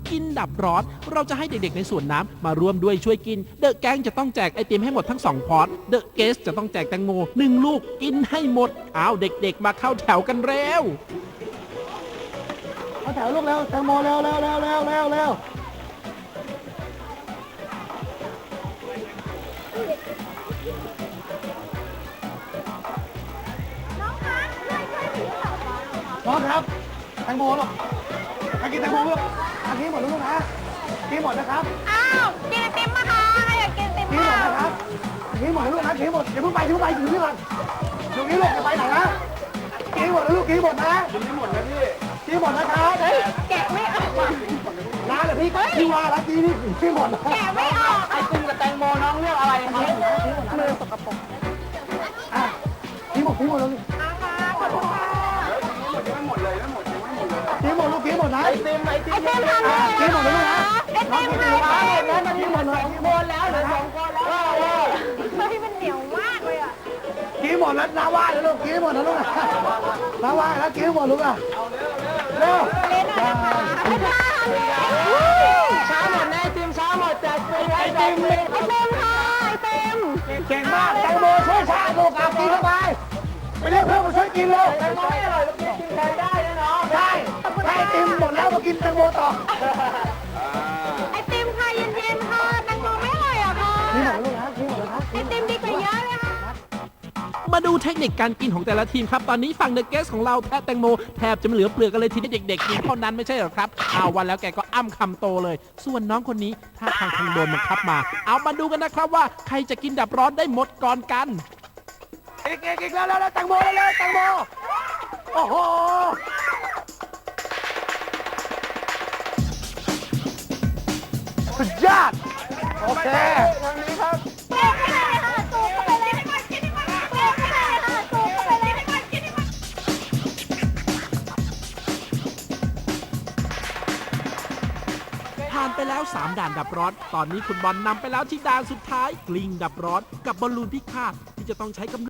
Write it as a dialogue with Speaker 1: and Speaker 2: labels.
Speaker 1: กินดับร้อนเราจะให้เด็กๆในสวนน้ำมาร่วมด้วยช่วยกินเดอะแก๊งจะต้องแจกไอติมให้หมดทั้ง2พอร์ตเดอะเกสจะต้องแจกแตงโม1ลูกกินให้หมดอ้าวเด็กๆมาเข้าแถวกันเร็ว
Speaker 2: เข้าแถวลูกเร็วแตงโมเร็วเร็วเร็วเร็วเร็วเร็วน้องครับแตงโมลูกมากินแตงโมลูกอันนี้หมดแล้วลูกนะกินหมดนะครับ
Speaker 3: อ้าวกินไอติมมาค่ะอยากกินไอติม
Speaker 2: กินหมดนะครับกินหมดแล้วลูกนะกินหมดอย่าเพิ่งไปอย่าเพิ่งไปอยู่นี่ก่อนอยู่นี่ลูกจะไปไหนนะกินหมดแล้วลูกกินหมดนะกินไม่หมดนะพี่กินหมดนะครับ
Speaker 3: แกะไม่ออก
Speaker 2: น้าเดี๋ยวพี่ว่าแล้วกินหมดนะ
Speaker 3: แกะไม่ออก
Speaker 2: ไอติมกับแตงโมน้องเลือกอะไรครับมือสกปรกอ่ะกินหมดแล้วลูก
Speaker 3: ขอบคุณค่ะ
Speaker 2: กินหมดลูกกินหมดนะไอติม
Speaker 3: ไอติมทำเลย
Speaker 2: กินหมดแล้วลูกนะ
Speaker 3: ไอติมทำเลย
Speaker 2: แล้วกินหมดเลยกินหมดแล้วเหลือ2 คนแล้ว
Speaker 3: เฮ้ยมันเหนียวมากเลยอ่ะ
Speaker 2: กินหมดแล้วน้าว่าแล้วลูกกินหมดแล้วลูกน้าว่าแล้วกินหมดลูกอ่ะเร็ว
Speaker 3: เล่นอะไรนะคะไม่ได้เลย
Speaker 2: ช้าหมดแน่ไอติมช้าหมดแจกฟรีไอติม
Speaker 3: ไอติมค่ะไอติม
Speaker 2: เก่งมากแตงโมช่วยชาลูกเอากินเข้าไปไปเรียกเพื่อนมาช่วยกินเลยแตงโมไม่อร่อยเรากินใครได้นะน้องได้ไอติมหมดแล้วมากินแตงโมต่อ
Speaker 3: ไอติมค่ะเย็นๆค่ะแตงโมไม่อร่อยอ่ะค่ะ
Speaker 2: นี่หมดแล้วลูกนะนี่หมดแล้วครับ
Speaker 3: ไอติมดีกว่าเยอะเลยค่ะ
Speaker 1: มาดูเทคนิคการกินของแต่ละทีมครับตอนนี้ฝั่งเดอะเกสของเราแทะแตงโมแทบจะไม่เหลือเปลือกกันเลยทีนี้เด็กๆกินเท่านั้นไม่ใช่หรอครับเอาวันแล้วแกก็อ้ำคำโตเลยส่วนน้องคนนี้ถ้าทางคงโดนบังคับมาเอามาดูกันนะครับว่าใครจะกินดับร้อนได้หมดก่อนกัน
Speaker 2: อีกแล้วแตงโมแล้วแตงโมโอ้โหสุดยอดโอเคทางนี้ครับ
Speaker 3: เปรี้ยวไม่ได้ค่ะสูบเข้าไปเลยไม่ก่อนกินดีกว่าเปรี้ยวไม่ได้ค่ะสูบเข้าไปเลยไม่ก่อนกินดีกว่า
Speaker 1: ผ่านไปแล้ว3ด่านดับร้อนตอนนี้คุณบอลนำไปแล้วที่ด่านสุดท้ายกลิ้งดับร้อนกับบอลลูนพิฆาตที่จะต้องใช้กำ